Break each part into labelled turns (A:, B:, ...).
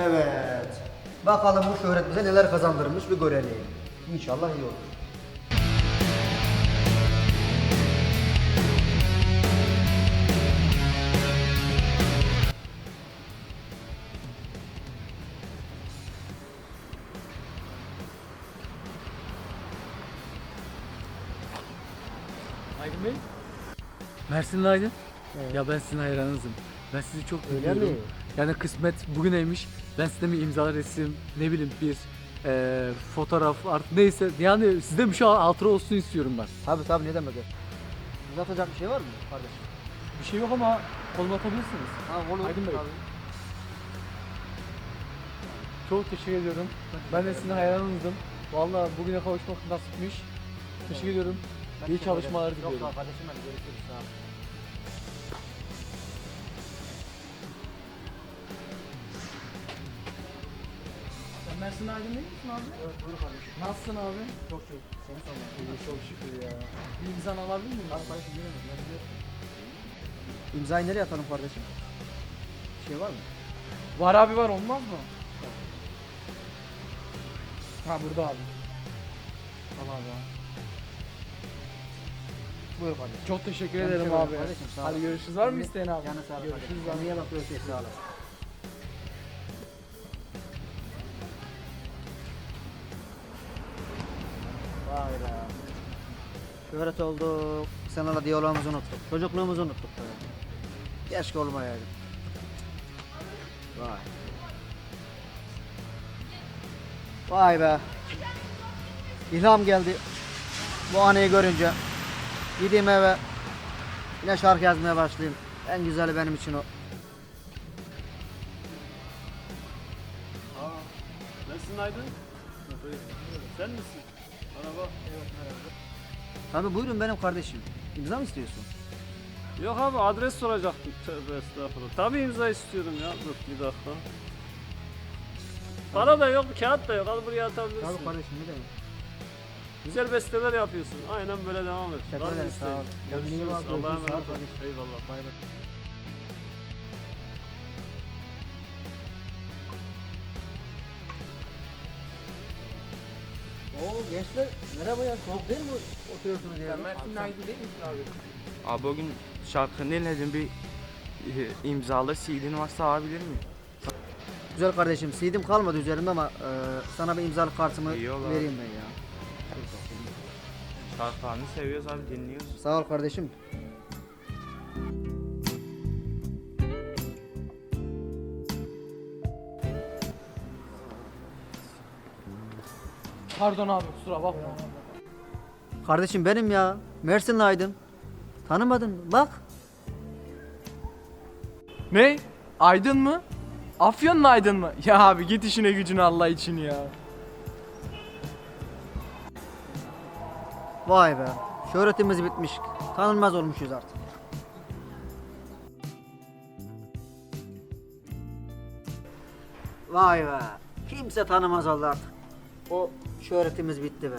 A: Evet. Bakalım bu şöhret bize neler kazandırmış bir görelim. İnşallah iyi olur.
B: Aydın Bey. Mersinli Aydın.
A: Evet.
B: Ya ben sizin hayranınızım. Ben sizi çok
A: Öyle
B: seviyorum.
A: mi?
B: Yani kısmet bugüneymiş. Ben sizden bir imza, resim, ne bileyim bir fotoğraf artık neyse. Yani sizden bir şey hatıra olsun istiyorum ben.
A: Tabii ne demek. Uzatacak bir şey var mı kardeşim?
B: Bir şey yok ama koluma atabilirsiniz.
A: Ha olur.
B: Aydın Bey.
A: Tabii.
B: Çok teşekkür ediyorum. Ben de sizin hayranınızdım. Vallahi bugüne kavuşmak nasipmiş. Teşekkür ediyorum.
A: Ben
B: İyi
A: teşekkür
B: çalışmalar
A: ederim. Yok
B: diliyorum.
A: sağ ol kardeşim, hadi görüşürüz. Sağ ol.
B: Sen Mersin Aydın değil misin abi?
A: Evet buyur kardeşim.
B: Nasılsın abi?
A: Çok iyi. Seni sormak.
B: İyi, çok şükür ya. Bir imzanı alabilir miyim?
A: Hadi kardeşim yürüyelim. Ben biliyorum. İmzayı nereye atalım kardeşim? Bir şey var mı?
B: Var abi, var, olmaz mı? Ha burada abi. Tamam abi.
A: Buyur kardeşim.
B: Çok teşekkür
A: Ben
B: ederim
A: teşekkür
B: abi.
A: ederim kardeşim, sağ ol.
B: Hadi görüşürüz. Var mı
A: Kendine-
B: isteyen abi?
A: Canı sağ ol
B: Görüşürüz
A: kardeşim.
B: abi.
A: Kendine bak, görüşürüz. Sağ ol. Vay be. Şöhret olduk. Seninle diyalogumuzu unuttuk. Çocukluğumuzu unuttuk böyle. Keşke olmayaydı. Vay. Vay be. İlham geldi. Bu anıyı görünce. Gideyim eve. Yine şarkı yazmaya başlayayım. En güzeli benim için o.
C: Nasılsın Aydın? Sen misin? Merhaba.
A: Tabii buyurun benim kardeşim. İmza mı istiyorsun?
C: Yok abi, adres soracaktım. Tövbe estağfurullah. Tabii imza istiyorum ya. Dur bir dakika. Para da yok, kağıt da yok. Al buraya atabilirsin.
A: Tabii kardeşim, ne demek?
C: Güzel besteler yapıyorsun. Aynen böyle devam et.
A: Teşekkür
C: Var mı
A: ederim,
C: isteğin?
A: sağ ol. Kendine iyi
C: Görüşürüz.
A: bak,
C: Allah'a
A: görüşürüz, sağ ol
C: emanet ol.
A: kardeşim.
C: Eyvallah.
A: Bay bay. Oo gençler, merhaba ya. Soğuk değil mi oturuyorsunuz ya?
B: Mersin Aydın değil misin abi?
D: Abi o gün şarkını dinledim, bir imzalı CD'nin varsa alabilir miyim?
A: Güzel kardeşim, CD'm kalmadı üzerimde ama sana bir imzalı kartımı
D: İyi olur.
A: vereyim ben ya.
D: Şarkılarını seviyoruz abi, dinliyoruz.
A: Sağ ol kardeşim.
B: Pardon abi, kusura bakma.
A: Kardeşim benim ya. Mersinli Aydın. Tanımadın mı? Bak.
E: Ne? Aydın mı? Afyon'un Aydın mı? Ya abi git işine gücüne Allah için ya.
A: Vay be. Şöhretimiz bitmiş. Tanınmaz olmuşuz artık. Vay be. Kimse tanımaz oldu artık. O şöhretimiz bitti be.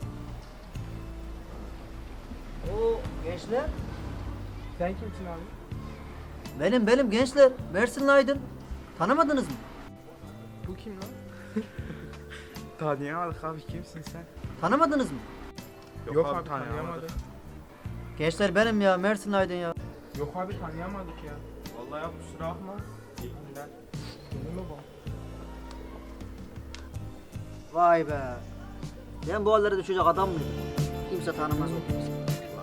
A: O gençler.
E: Sen kimsin abi?
A: Benim gençler. Mersinli Aydın. Tanımadınız mı?
E: Bu kim lan?
D: Tanıyamadık abi, kimsin sen?
A: Tanımadınız mı?
E: Yok abi tanıyamadık.
A: Gençler benim ya. Mersinli Aydın ya.
E: Yok abi tanıyamadık ya. Vallahi ya kusura bakma. İyi günler. Önüme bak.
A: Vay be. Ben bu hallere düşecek adam mıydım? Kimse tanımaz oldu bizi.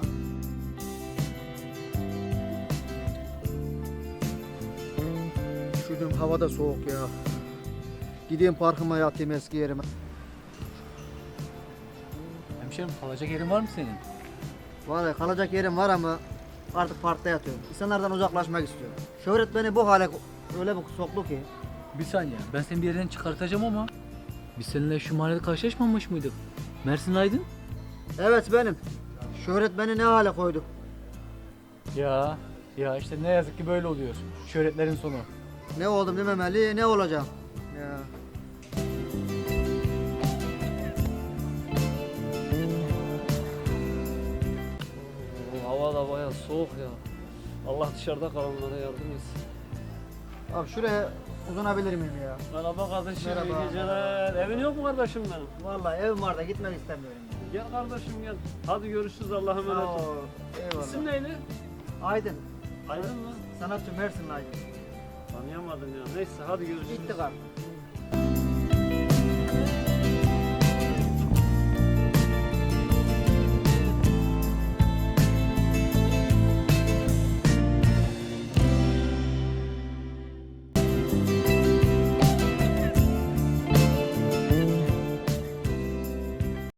A: Üşüdüm, hava da soğuk ya. Gideyim parkıma yatayım, eski yerime.
B: Hemşerim, kalacak yerin var mı senin?
A: Vallahi kalacak yerim var ama artık parkta yatıyorum. İnsanlardan uzaklaşmak istiyorum. Şöhret beni bu hale öyle bir soktu ki.
B: Bir saniye, ben seni bir yerden çıkartacağım ama biz seninle şu mahallede karşılaşmamış mıydık? Mersin Aydın?
A: Evet benim. Şöhret beni ne hale koydu.
B: Ya işte ne yazık ki böyle oluyor. Şöhretlerin sonu.
A: Ne oldum dememeli, ne olacağım. Ya.
C: Hava da bayağı soğuk ya. Allah dışarıda kalanlara yardım etsin.
A: Abi şuraya uzanabilir miyim ya?
C: Merhaba kardeşim,
A: Merhaba.
C: iyi geceler. Evin yok mu kardeşim benim?
A: Vallahi evim var da gitmek istemiyorum ya.
C: Gel kardeşim gel. Hadi görüşürüz, Allah'a emanet ol.
A: Oo, eyvallah.
C: İsim neydi?
A: Aydın.
C: Aydın mı?
A: Sanatçı Mersin Aydın.
C: Tanıyamadım ya. Neyse hadi görüşürüz.
A: Gittik abi.